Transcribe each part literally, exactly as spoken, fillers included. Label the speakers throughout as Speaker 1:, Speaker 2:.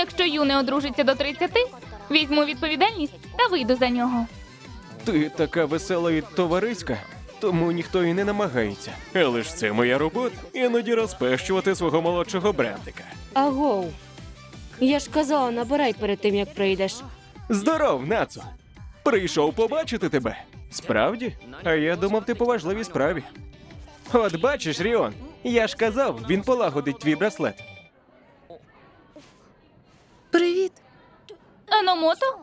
Speaker 1: Якщо Ю не одружиться до тридцяти, візьму відповідальність та вийду за нього.
Speaker 2: Ти така весела і товариська, тому ніхто і не намагається. Але ж це моя робота. Іноді розпещувати свого молодшого братика.
Speaker 3: Агоу. Я ж казала, набирай перед тим, як прийдеш.
Speaker 2: Здоров, Нацу! Прийшов побачити тебе. Справді? А я думав, ти по важливій справі. От бачиш, Ріон, я ж казав, він полагодить твій браслет.
Speaker 4: Привіт.
Speaker 1: Еномото?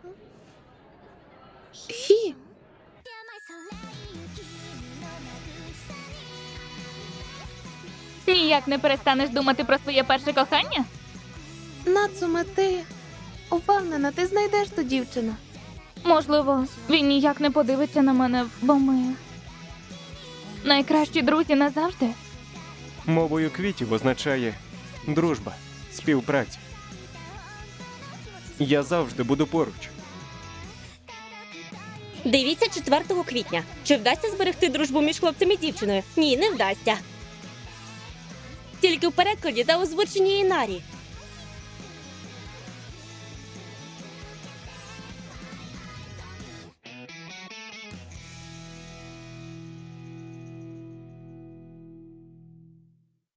Speaker 4: Хі.
Speaker 1: Ніяк не перестанеш думати про своє перше кохання?
Speaker 4: Нацуме, ти упевнена, ти знайдеш ту дівчину.
Speaker 1: Можливо, він ніяк не подивиться на мене, бо ми найкращі друзі назавжди.
Speaker 2: Мовою квітів означає дружба, співпраця. Я завжди буду поруч.
Speaker 3: Дивіться четвертого квітня. Чи вдасться зберегти дружбу між хлопцем і дівчиною? Ні, не вдасться. Тільки в перекладі та озвученні Інарі.